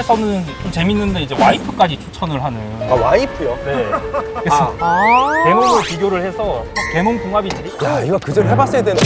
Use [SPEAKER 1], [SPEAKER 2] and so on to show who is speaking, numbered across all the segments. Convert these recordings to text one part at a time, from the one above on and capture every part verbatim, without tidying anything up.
[SPEAKER 1] 해외에서는 좀 재밌는데 이제 와이프까지 추천을 하는.
[SPEAKER 2] 아, 와이프요?
[SPEAKER 1] 네. 그래서
[SPEAKER 3] 아.
[SPEAKER 1] 개놈을 비교를 해서 개놈 궁합이 제일.
[SPEAKER 2] 야, 이거 그전 해봤어야 되는.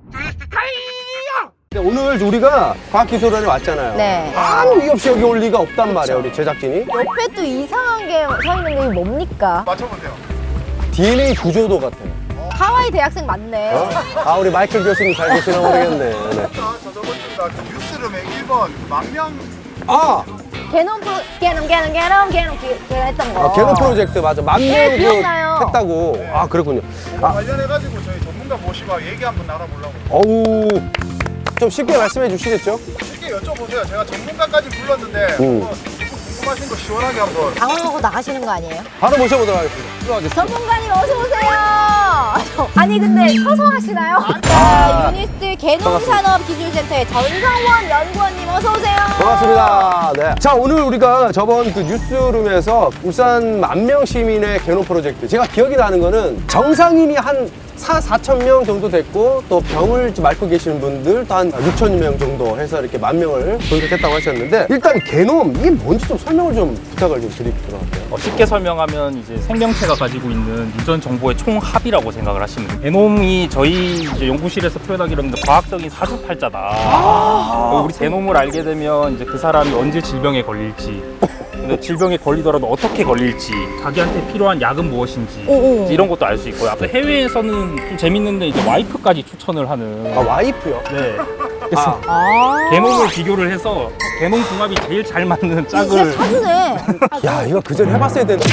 [SPEAKER 2] 오늘 우리가 과학기술원에 왔잖아요.
[SPEAKER 3] 네.
[SPEAKER 2] 아무 이유 없이 여기 올 리가 없단 말이에요, 우리 제작진이.
[SPEAKER 3] 옆에 또 이상한 게 서 있는 게 뭡니까?
[SPEAKER 4] 맞춰보세요.
[SPEAKER 2] 디엔에이 구조도 같아요.
[SPEAKER 3] 하와이 대학생 맞네.
[SPEAKER 2] 어? 아, 우리 마이클 교수님 잘 계시나 모르겠네. 네.
[SPEAKER 4] 저 저번 주가 그 뉴스룸의 일 번 망명
[SPEAKER 2] 아,
[SPEAKER 3] 개놈 프로, 개놈, 개놈, 개놈, 개놈, 개- 그 했던 거.
[SPEAKER 2] 아 개노 프로젝트 맞아. 만명
[SPEAKER 3] 네,
[SPEAKER 2] 그
[SPEAKER 3] 기억나요.
[SPEAKER 2] 했다고. 아, 그렇군요.
[SPEAKER 4] 그거
[SPEAKER 2] 아,
[SPEAKER 4] 관련해가지고 저희 전문가 모시고 얘기 한번 나눠보려고.
[SPEAKER 2] 어우, 좀 쉽게 말씀해 주시겠죠?
[SPEAKER 4] 쉽게 여쭤보세요. 제가 전문가까지 불렀는데
[SPEAKER 2] 음.
[SPEAKER 4] 뭐 궁금하신 거 시원하게 한번.
[SPEAKER 3] 당황하고 나가시는 거 아니에요?
[SPEAKER 2] 바로 모셔보도록 하겠습니다. 들어와주세요.
[SPEAKER 3] 전문가님 어서 오세요. 아니 근데 서서 하시나요? 자, 유니스트 개농산업기술센터의 전성원 연구원님 어서 오세요.
[SPEAKER 2] 반갑습니다. 네. 자, 오늘 우리가 저번 그 뉴스룸에서 울산 만명 시민의 개노 프로젝트. 제가 기억이 나는 거는 정상인이 한 사, 사천 명 정도 됐고 또 병을 앓고 계시는 분들도 한 육천 명 정도 해서 이렇게 만 명을 분석했다고 하셨는데 일단 개놈, 이게 뭔지 좀 설명을 좀 부탁을 좀 드리도록 할게요.
[SPEAKER 1] 어, 쉽게 설명하면 이제 생명체가 가지고 있는 유전 정보의 총합이라고 생각을 하시면 돼요. 게놈이 저희 이제 연구실에서 표현하기로는 과학적인 사주팔자다. 어, 우리 게놈을 알게 되면 이제 그 사람이 언제 질병에 걸릴지, 근데 질병에 걸리더라도 어떻게 걸릴지, 자기한테 필요한 약은 무엇인지
[SPEAKER 3] 오, 오.
[SPEAKER 1] 이제 이런 것도 알 수 있고요. 또 해외에서는 좀 재밌는데 이제 와이프까지 추천을 하는.
[SPEAKER 2] 아, 와이프요?
[SPEAKER 1] 네. 그래서
[SPEAKER 3] 아.
[SPEAKER 1] 게놈을 비교를 해서 게놈 궁합이 제일 잘 맞는
[SPEAKER 3] 진짜
[SPEAKER 1] 짝을.
[SPEAKER 3] 사주네.
[SPEAKER 2] 야, 이거 그전 해봤어야 되는.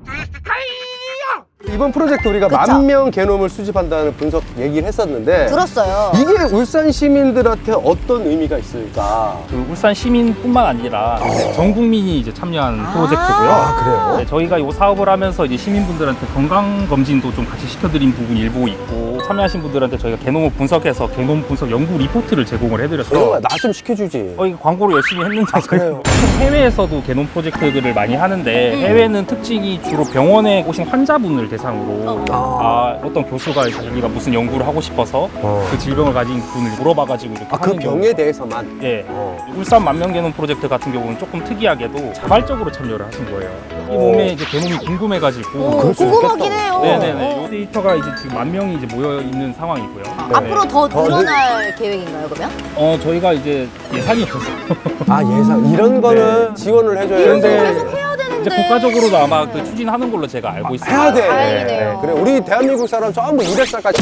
[SPEAKER 2] 이번 프로젝트 우리가
[SPEAKER 3] 그쵸?
[SPEAKER 2] 만 명 개놈을 수집한다는 분석 얘기를 했었는데
[SPEAKER 3] 들었어요.
[SPEAKER 2] 이게 울산 시민들한테 어떤 의미가 있을까?
[SPEAKER 1] 그 울산 시민뿐만 아니라 전 국민이 이제 참여한
[SPEAKER 3] 아.
[SPEAKER 1] 프로젝트고요.
[SPEAKER 2] 아, 그래요?
[SPEAKER 1] 네, 저희가 이 사업을 하면서 이제 시민분들한테 건강 검진도 좀 같이 시켜드린 부분이 일부 있고, 참여하신 분들한테 저희가 게놈을 분석해서 게놈 분석 연구 리포트를 제공을 해드렸어요.
[SPEAKER 2] 나 좀 시켜주지.
[SPEAKER 1] 어, 이거 광고를 열심히 했는데
[SPEAKER 2] 아, 그래요?
[SPEAKER 1] 해외에서도 게놈 프로젝트들을 많이 하는데
[SPEAKER 3] 음.
[SPEAKER 1] 해외는 특징이 주로 병원에 오신 환자분을 대상으로
[SPEAKER 2] 아.
[SPEAKER 1] 아, 어떤 교수가 자기가 무슨 연구를 하고 싶어서
[SPEAKER 2] 어.
[SPEAKER 1] 그 질병을 가진 분을 물어봐가지고 이렇게
[SPEAKER 2] 아, 그
[SPEAKER 1] 하는 경우.
[SPEAKER 2] 병에 대해서만?
[SPEAKER 1] 예.
[SPEAKER 2] 어.
[SPEAKER 1] 울산 만명 게놈 프로젝트 같은 경우는 조금 특이하게도 자발적으로 참여를 하신 거예요. 이
[SPEAKER 2] 어.
[SPEAKER 1] 몸에 이제 게놈이 궁금해가지고.
[SPEAKER 3] 오,
[SPEAKER 2] 그럴 수
[SPEAKER 3] 궁금하긴
[SPEAKER 2] 있겠다.
[SPEAKER 3] 해요.
[SPEAKER 1] 네네네.
[SPEAKER 3] 어.
[SPEAKER 1] 이 데이터가 이제 지금 만 명이 이제 모여 있는 상황이고요. 네.
[SPEAKER 3] 앞으로 더
[SPEAKER 2] 더
[SPEAKER 3] 늘어날 계획인가요, 그러면?
[SPEAKER 1] 어 저희가 이제 예산이 없어서
[SPEAKER 2] 아, 예산. 이런 거는 지원을 해줘야
[SPEAKER 3] 이런 거
[SPEAKER 2] 되는데.
[SPEAKER 3] 계속 해야 되는데.
[SPEAKER 1] 이제 국가적으로도 아마 그 추진하는 걸로 제가 알고 있습니다.
[SPEAKER 2] 해야 돼.
[SPEAKER 3] 다행이네요.
[SPEAKER 2] 그래, 우리 대한민국 사람 전부 이백 살까지.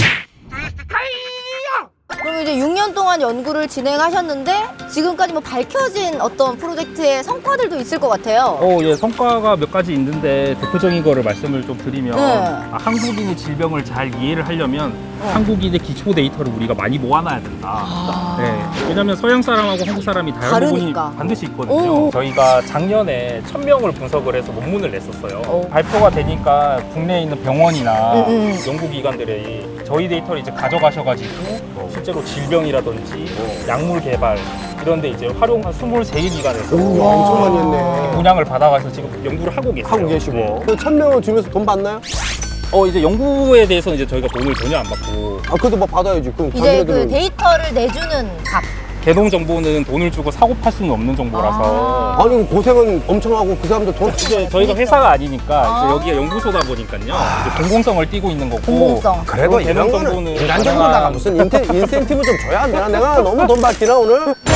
[SPEAKER 3] 그럼 이제 육 년 동안 연구를 진행하셨는데 지금까지 뭐 밝혀진 어떤 프로젝트의 성과들도 있을 것 같아요.
[SPEAKER 1] 어, 예, 성과가 몇 가지 있는데 대표적인 거를 말씀을 좀 드리면
[SPEAKER 3] 네.
[SPEAKER 1] 아, 한국인의 질병을 잘 이해를 하려면
[SPEAKER 3] 어.
[SPEAKER 1] 한국인의 기초 데이터를 우리가 많이 모아놔야 된다.
[SPEAKER 3] 아.
[SPEAKER 1] 네. 왜냐면 서양 사람하고 한국 사람이 다른 부분이
[SPEAKER 3] 다르니까.
[SPEAKER 1] 반드시 있거든요.
[SPEAKER 3] 오.
[SPEAKER 1] 저희가 작년에 천 명을 분석을 해서 논문을 냈었어요.
[SPEAKER 3] 오.
[SPEAKER 1] 발표가 되니까 국내에 있는 병원이나
[SPEAKER 3] 음, 음.
[SPEAKER 1] 연구기관들이 저희 데이터를 이제 가져가셔가지고 실제로 질병이라든지 약물 개발 이런 데 이제 활용한 스물세 개 기관에서
[SPEAKER 2] 오, 엄청 많이 했네.
[SPEAKER 1] 분양을 받아가서 지금 연구를 하고 계세요.
[SPEAKER 2] 하고 계시고.
[SPEAKER 1] 네.
[SPEAKER 2] 그 천 명을 주면서 돈 받나요?
[SPEAKER 1] 어, 이제 연구에 대해서는 이제 저희가 돈을 전혀 안 받고
[SPEAKER 2] 아, 그래도 뭐 받아야지. 그럼
[SPEAKER 3] 이제 그
[SPEAKER 2] 자기네들은-
[SPEAKER 3] 데이터를 내주는 값.
[SPEAKER 1] 개동 정보는 돈을 주고 사고 팔 수는 없는 정보라서
[SPEAKER 3] 아.
[SPEAKER 2] 아니, 고생은 엄청 하고 그 사람들 돈.
[SPEAKER 1] 이제 저희가 회사가 아니니까
[SPEAKER 3] 아.
[SPEAKER 1] 이제 여기가 연구소다 보니까요. 이제 공공성을 띠고 있는 거고.
[SPEAKER 3] 공공성.
[SPEAKER 2] 그래도
[SPEAKER 1] 개동
[SPEAKER 2] 이런 거는
[SPEAKER 1] 정보는
[SPEAKER 2] 인간적으로다가
[SPEAKER 1] 가능한-
[SPEAKER 2] 무슨 인테, 인센티브 좀 줘야 안 되나? 내가 너무 돈 받기나 오늘?
[SPEAKER 3] 그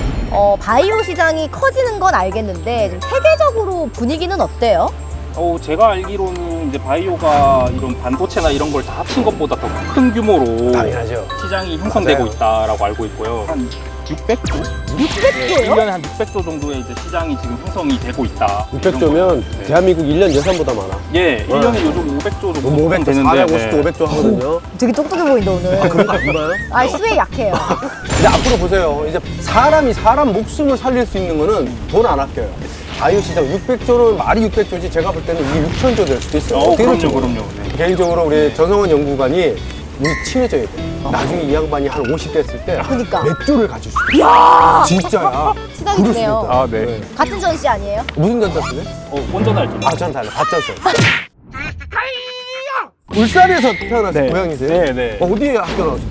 [SPEAKER 3] 어, 바이오 시장이 커지는 건 알겠는데 좀 세계적으로 분위기는 어때요?
[SPEAKER 1] 어, 제가 알기로는 이제 바이오가 이런 반도체나 이런 걸 다 합친 것보다 더 큰 규모로
[SPEAKER 2] 당연하죠.
[SPEAKER 1] 시장이 형성되고
[SPEAKER 2] 맞아요.
[SPEAKER 1] 있다라고 알고 있고요. 한 육백 조?
[SPEAKER 3] 육백 조요?
[SPEAKER 1] 일 년에 한 육백 조 정도의 이제 시장이 지금 형성이 되고 있다.
[SPEAKER 2] 육백 조면
[SPEAKER 1] 네.
[SPEAKER 2] 대한민국 일 년 예산보다 많아.
[SPEAKER 1] 예, 일 년에 요즘 오백 조 정도
[SPEAKER 2] 뭐 오백 조,
[SPEAKER 1] 되는데
[SPEAKER 2] 사백오십 조, 오백 조 하거든요.
[SPEAKER 3] 되게 똑똑해 보인다 오늘.
[SPEAKER 2] 아, 그런 거 아닌가요?
[SPEAKER 3] 아, 수에 약해요.
[SPEAKER 2] 근데 앞으로 보세요. 이제 사람이 사람 목숨을 살릴 수 있는 거는 돈 안 아껴요. 바이오 시장 육백 조는 말이 육백 조지 제가 볼 때는 이게 육천 조 될 수도 있어요.
[SPEAKER 1] 어,
[SPEAKER 2] 어떻게
[SPEAKER 1] 그럼요,
[SPEAKER 2] 될지
[SPEAKER 1] 그럼요.
[SPEAKER 2] 모르겠어요.
[SPEAKER 1] 네.
[SPEAKER 2] 개인적으로 우리 전성원 연구관이 우리 친해져야 돼. 나중에 이 양반이 한 오십 됐을 때
[SPEAKER 3] 그러니까.
[SPEAKER 2] 몇 조를 가질 수도 있어. 진짜야.
[SPEAKER 3] 친하게
[SPEAKER 2] 그럴 수도
[SPEAKER 3] 지내요.
[SPEAKER 2] 있다.
[SPEAKER 1] 아, 네.
[SPEAKER 3] 같은 전씨 아니에요?
[SPEAKER 2] 무슨 전자 쓰네?
[SPEAKER 1] 어, 원전할 좀.
[SPEAKER 2] 아, 전 달라. 밭전세. 울산에서 태어나서
[SPEAKER 1] 네.
[SPEAKER 2] 고향이세요?
[SPEAKER 1] 네, 네.
[SPEAKER 2] 어, 어디에 학교 나오셨어요?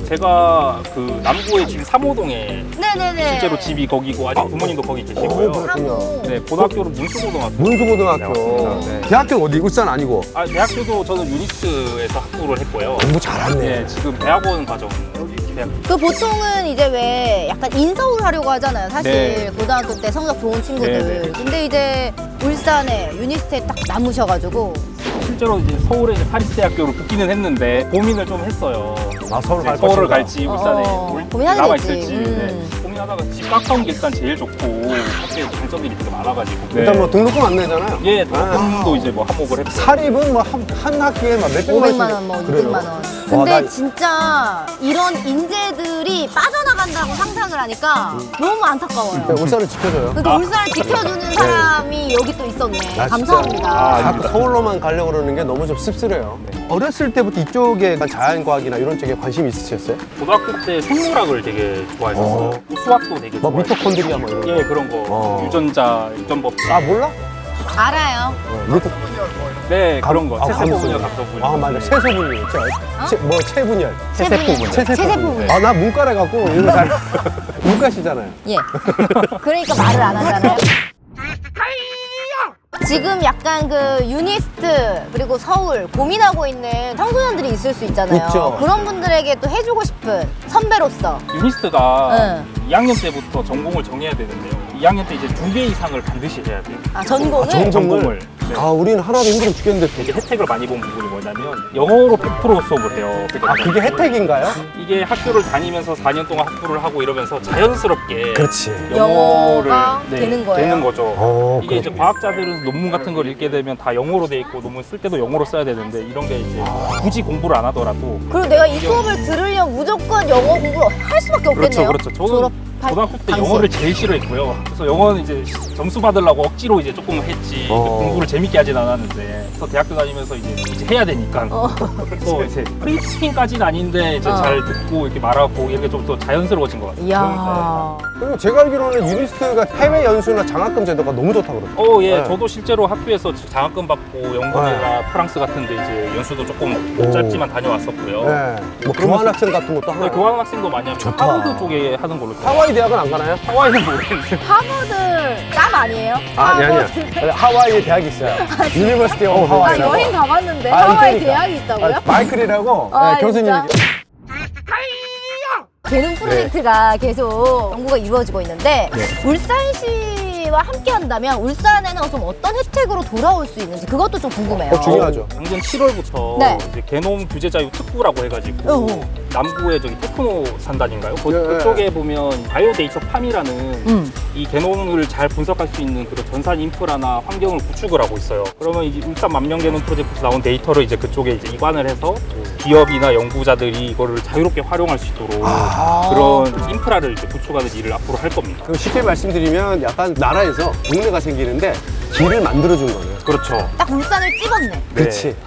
[SPEAKER 1] 제가 그 남구의 지금 삼호동에
[SPEAKER 3] 네네네.
[SPEAKER 1] 실제로 집이 거기고 아직 부모님도 거기 계시고요.
[SPEAKER 2] 그렇군요.
[SPEAKER 1] 네, 고등학교는 문수고등학교.
[SPEAKER 2] 문수고등학교.
[SPEAKER 1] 네, 네.
[SPEAKER 2] 대학교는 어디? 울산 아니고?
[SPEAKER 1] 아, 대학교도 저는 유니스에서 학부를 했고요.
[SPEAKER 2] 공부 잘했네.
[SPEAKER 1] 네, 지금 대학원 과정. 대학.
[SPEAKER 3] 그 보통은 이제 왜 약간 인서울 하려고 하잖아요. 사실
[SPEAKER 1] 네.
[SPEAKER 3] 고등학교 때 성적 좋은 친구들.
[SPEAKER 1] 네, 네.
[SPEAKER 3] 근데 이제 울산에 유니스트에 딱 남으셔가지고
[SPEAKER 1] 실제로 이제 서울에 이제 사립대학교로 붙기는 했는데 고민을 좀 했어요.
[SPEAKER 2] 아, 서울 갈
[SPEAKER 1] 서울을
[SPEAKER 2] 것인가?
[SPEAKER 1] 갈지 울산에
[SPEAKER 3] 어,
[SPEAKER 1] 올-
[SPEAKER 3] 고민하게
[SPEAKER 1] 남아
[SPEAKER 3] 됐지.
[SPEAKER 1] 있을지.
[SPEAKER 3] 음.
[SPEAKER 1] 네. 고민하다가 집 가까운 게 일단 제일 좋고 학교에 장점들이 되게 많아가지고. 네.
[SPEAKER 2] 일단 뭐 등록금 안 내잖아요.
[SPEAKER 1] 예, 등록금도 이제 뭐 한몫을 했고.
[SPEAKER 2] 사립은 뭐 한 한 학기에 막 몇백만 원씩.
[SPEAKER 3] 오백만 원, 뭐
[SPEAKER 2] 그래요.
[SPEAKER 3] 이백만 원.
[SPEAKER 2] 와,
[SPEAKER 3] 근데
[SPEAKER 2] 나-
[SPEAKER 3] 진짜 이런 인재들이 빠져나간다고 상상을 하니까 너무 안타까워요.
[SPEAKER 2] 네, 울산을 지켜줘요.
[SPEAKER 3] 그러니까 울산을 지켜주는 사람이 여기 또 있었네.
[SPEAKER 2] 나 진짜
[SPEAKER 3] 감사합니다.
[SPEAKER 2] 아, 자꾸 서울로만 가려고 그러는 게 너무 좀 씁쓸해요. 어렸을 때부터 이쪽에 자연과학이나 이런 쪽에 관심이 있으셨어요?
[SPEAKER 1] 고등학교 때 생물학을 되게 좋아했었어요.
[SPEAKER 2] 어.
[SPEAKER 1] 수학도 되게
[SPEAKER 2] 뭐
[SPEAKER 1] 좋아했고.
[SPEAKER 2] 미토콘드리아 뭐 이런 거?
[SPEAKER 1] 예, 그런 거.
[SPEAKER 2] 어.
[SPEAKER 1] 유전자, 유전법.
[SPEAKER 2] 아 몰라?
[SPEAKER 3] 알아요.
[SPEAKER 2] 미토...
[SPEAKER 1] 네, 그런 거.
[SPEAKER 2] 아,
[SPEAKER 1] 체세포분열,
[SPEAKER 2] 감수.
[SPEAKER 1] 감소분열.
[SPEAKER 2] 아 맞아, 체소분열. 체, 뭐 체분열.
[SPEAKER 3] 체세포분열. 체세포분열.
[SPEAKER 2] 아 나 문과래갖고 이거 잘 문과시잖아요.
[SPEAKER 3] 예. 그러니까 말을 안 하잖아요. 지금 약간 그 유니스트 그리고 서울 고민하고 있는 청소년들이 있을 수 있잖아요.
[SPEAKER 2] 있죠.
[SPEAKER 3] 그런 분들에게 또 해주고 싶은 선배로서.
[SPEAKER 1] 유니스트가
[SPEAKER 3] 응.
[SPEAKER 1] 이 학년 때부터 전공을 정해야 되는데요. 이 학년 때 이제 두 개 이상을 반드시 해야 돼요.
[SPEAKER 3] 아, 전공을?
[SPEAKER 2] 아, 전-
[SPEAKER 1] 전공을. 네.
[SPEAKER 2] 아 우리는 하나도 힘들어 죽겠는데
[SPEAKER 1] 되게 혜택을 많이 본 부분이 뭐냐면 영어로 백 퍼센트 수업을 해요.
[SPEAKER 2] 아 그게 혜택인가요?
[SPEAKER 1] 이게 학교를 다니면서 사 년 동안 학부를 하고 이러면서 자연스럽게
[SPEAKER 2] 그렇지.
[SPEAKER 1] 영어를
[SPEAKER 3] 영어가 되는 거예요?
[SPEAKER 1] 되는 거죠.
[SPEAKER 2] 어,
[SPEAKER 1] 이게 이제
[SPEAKER 2] 그렇군요.
[SPEAKER 1] 과학자들은 논문 같은 걸 읽게 되면 다 영어로 돼 있고 논문 쓸 때도 영어로 써야 되는데 이런 게 이제 굳이 공부를 안 하더라도
[SPEAKER 3] 그리고 내가 이 수업을 들으려면 무조건 영어 공부를 할 수밖에 없겠네요.
[SPEAKER 1] 그렇죠, 그렇죠. 저는
[SPEAKER 3] 졸업할
[SPEAKER 1] 고등학교 때
[SPEAKER 3] 당시에.
[SPEAKER 1] 영어를 제일 싫어했고요. 그래서 영어는 이제 점수 받으려고 억지로 이제 조금 했지
[SPEAKER 2] 어.
[SPEAKER 1] 공부를 재밌게 하진 않았는데 그래서 대학교 다니면서 이제, 이제 해야 되니까
[SPEAKER 3] 어.
[SPEAKER 1] 또 이제 프리스피킹까지는 아닌데 이제
[SPEAKER 3] 어.
[SPEAKER 1] 잘 듣고 이렇게 말하고 이게 좀 더 자연스러워진 것 같아요.
[SPEAKER 3] 이야.
[SPEAKER 2] 그리고 제가 알기로는 유니스트가 해외 연수나 장학금 제도가 너무 좋다고 그러더라고요.
[SPEAKER 1] 어, 예,
[SPEAKER 2] 네.
[SPEAKER 1] 저도 실제로 학교에서 장학금 받고 영국이나 프랑스 같은데 이제 연수도 조금
[SPEAKER 2] 오.
[SPEAKER 1] 짧지만 다녀왔었고요.
[SPEAKER 2] 네. 뭐 교환학생 같은 것도
[SPEAKER 1] 네,
[SPEAKER 2] 하나.
[SPEAKER 1] 교환 학생도 많이 하고
[SPEAKER 2] 좋다.
[SPEAKER 1] 하버드 쪽에 하는 걸로 들어요.
[SPEAKER 2] 하와이 대학은 안 가나요?
[SPEAKER 1] 하와이는 모르겠는데.
[SPEAKER 3] 하버드 짬 아니에요?
[SPEAKER 2] 아니 아니야.
[SPEAKER 3] 하버드.
[SPEAKER 2] 하와이에 대학이 있어요. 유니버시티 오브
[SPEAKER 3] 나
[SPEAKER 2] 하와이라고.
[SPEAKER 3] 여행 가봤는데
[SPEAKER 2] 아,
[SPEAKER 3] 하와이
[SPEAKER 2] 그러니까.
[SPEAKER 3] 대학이 있다고요?
[SPEAKER 2] 아, 마이클이라고
[SPEAKER 3] 아,
[SPEAKER 2] 네, 교수님이.
[SPEAKER 3] 진짜? 개능 프로젝트가 계속 연구가 이루어지고 있는데
[SPEAKER 2] 네.
[SPEAKER 3] 울산시와 함께 한다면 울산에는 좀 어떤 혜택으로 돌아올 수 있는지 그것도 좀 궁금해요.
[SPEAKER 2] 어, 중요하죠.
[SPEAKER 1] 작년 칠월부터
[SPEAKER 3] 네.
[SPEAKER 1] 이제 개놈 규제 자유 특구라고 해가지고
[SPEAKER 3] 어.
[SPEAKER 1] 남구에 저기 테크노 산단인가요? 그,
[SPEAKER 2] 네.
[SPEAKER 1] 그쪽에 보면 바이오데이터 팜이라는
[SPEAKER 3] 음.
[SPEAKER 1] 이 개놈을 잘 분석할 수 있는 그런 전산 인프라나 환경을 구축을 하고 있어요. 그러면 이제 울산 만명 개놈 프로젝트에서 나온 데이터를 이제 그쪽에 이제 이관을 해서 기업이나 연구자들이 이거를 자유롭게 활용할 수 있도록
[SPEAKER 2] 아.
[SPEAKER 1] 그런 인프라를 이제 구축하는 일을 앞으로 할 겁니다.
[SPEAKER 2] 그럼 쉽게 말씀드리면 약간 나라에서 동네가 생기는데 길을 만들어준 거예요.
[SPEAKER 1] 그렇죠.
[SPEAKER 3] 딱 울산을 찍었네.
[SPEAKER 1] 네.
[SPEAKER 2] 그렇지.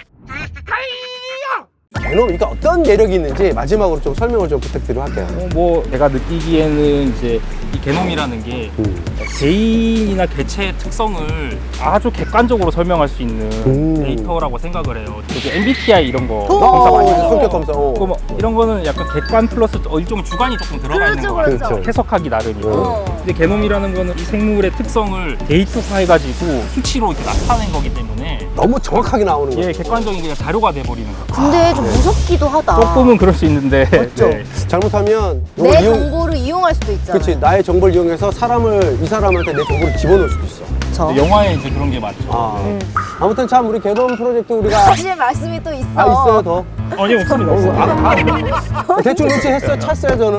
[SPEAKER 2] 개놈, 그러니까 어떤 매력이 있는지 마지막으로 좀 설명을 좀 부탁드리도록 할게요.
[SPEAKER 1] 어, 뭐 제가 느끼기에는 이제 이 개놈이라는 게
[SPEAKER 2] 음.
[SPEAKER 1] 개인이나 개체의 특성을 아주 객관적으로 설명할 수 있는
[SPEAKER 2] 음.
[SPEAKER 1] 데이터라고 생각을 해요. 되게 엠비티아이 이런 거
[SPEAKER 3] 오!
[SPEAKER 1] 검사 많이
[SPEAKER 2] 어,
[SPEAKER 1] 하죠.
[SPEAKER 2] 성격 검사. 어.
[SPEAKER 1] 그거 뭐 이런 거는 약간 객관 플러스 어, 일종의 주관이 조금 들어가 있는
[SPEAKER 3] 그렇죠,
[SPEAKER 1] 거 같아요.
[SPEAKER 3] 그렇죠.
[SPEAKER 1] 해석하기 나름이고.
[SPEAKER 3] 어.
[SPEAKER 1] 근데 개놈이라는 거는 이 생물의 특성을 데이터화해가지고 수치로 이렇게 나타낸 거기 때문에
[SPEAKER 2] 너무 정확하게 나오는 거예요.
[SPEAKER 1] 예, 객관적인 그냥 자료가 돼버리는 거죠.
[SPEAKER 3] 근데 좀 무섭기도 하다.
[SPEAKER 1] 조금은 그럴 수 있는데.
[SPEAKER 2] 그렇죠.
[SPEAKER 1] 네.
[SPEAKER 2] 잘못하면
[SPEAKER 3] 내
[SPEAKER 2] 이걸 이용-
[SPEAKER 3] 정보를 이용할 수도 있잖아.
[SPEAKER 2] 그렇지. 나의 정보를 이용해서 사람을 이 사람한테 내 정보를 집어넣을 수도 있어.
[SPEAKER 3] 저.
[SPEAKER 1] 근데 영화에 이제 그런 게 많죠.
[SPEAKER 2] 아.
[SPEAKER 3] 음.
[SPEAKER 2] 아무튼 참 우리 개놈 프로젝트 우리가
[SPEAKER 3] 사실 말씀이 또 있어.
[SPEAKER 2] 아 있어요 더.
[SPEAKER 1] 아니 없습니다.
[SPEAKER 2] 아, 아. 대충 눈치했어요. 찼어요 저는.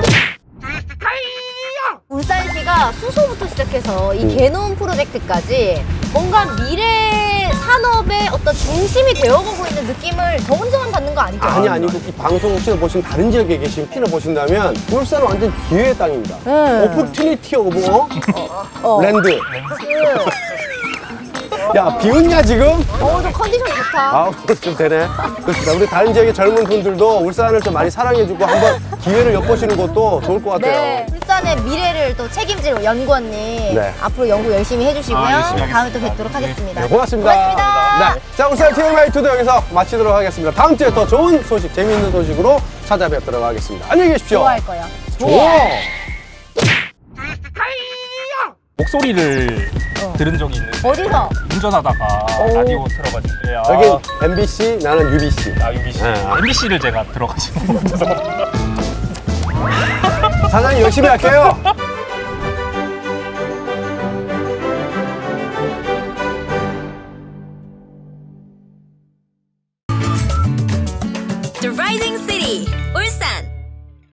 [SPEAKER 3] 울산시가 수소부터 시작해서 이
[SPEAKER 2] 음.
[SPEAKER 3] 개놈 프로젝트까지 뭔가 미래 산업의 어떤 중심이 되어가고 있는 느낌을 저 혼자만 받는 거 아니죠?
[SPEAKER 2] 아니 아니고 이 방송 혹시나 보시면 다른 지역에 계신 피나 보신다면 울산은 완전 기회의 땅입니다.
[SPEAKER 3] 네.
[SPEAKER 2] 오퍼튜니티 오브 어?
[SPEAKER 3] 어.
[SPEAKER 2] 랜드.
[SPEAKER 3] 그,
[SPEAKER 2] 야 비웃냐 지금?
[SPEAKER 3] 어, 저 컨디션 좋다.
[SPEAKER 2] 아, 좀 되네. 그렇습니다. 우리 다른 지역의 젊은 분들도 울산을 좀 많이 사랑해주고 한번 기회를 엿보시는 것도 좋을 것 같아요.
[SPEAKER 3] 네, 울산의 미래를 또 책임질 연구원님
[SPEAKER 2] 네.
[SPEAKER 3] 앞으로 연구 열심히 해주시고요.
[SPEAKER 1] 아, 열심히
[SPEAKER 3] 다음에 또
[SPEAKER 1] 하겠습니다.
[SPEAKER 3] 뵙도록 하겠습니다.
[SPEAKER 2] 네, 고맙습니다.
[SPEAKER 3] 고맙습니다.
[SPEAKER 2] 네. 자, 울산 티엠아이투도 여기서 마치도록 하겠습니다. 다음 주에 더 좋은 소식, 재미있는 소식으로 찾아뵙도록 하겠습니다. 안녕히 계십시오.
[SPEAKER 3] 좋아할 거예요.
[SPEAKER 2] 좋아.
[SPEAKER 1] 목소리를
[SPEAKER 3] 어.
[SPEAKER 1] 들은 적이 있는데
[SPEAKER 3] 어디서?
[SPEAKER 1] 운전하다가
[SPEAKER 3] 오.
[SPEAKER 1] 라디오 틀어가지고 야,
[SPEAKER 2] 여긴 엠비씨, 나는 유비씨.
[SPEAKER 1] 아 유비씨
[SPEAKER 2] 네.
[SPEAKER 1] 엠비씨를 제가 들어가지고 죄송합니다.
[SPEAKER 2] 사장님 열심히 할게요.
[SPEAKER 5] The rising sea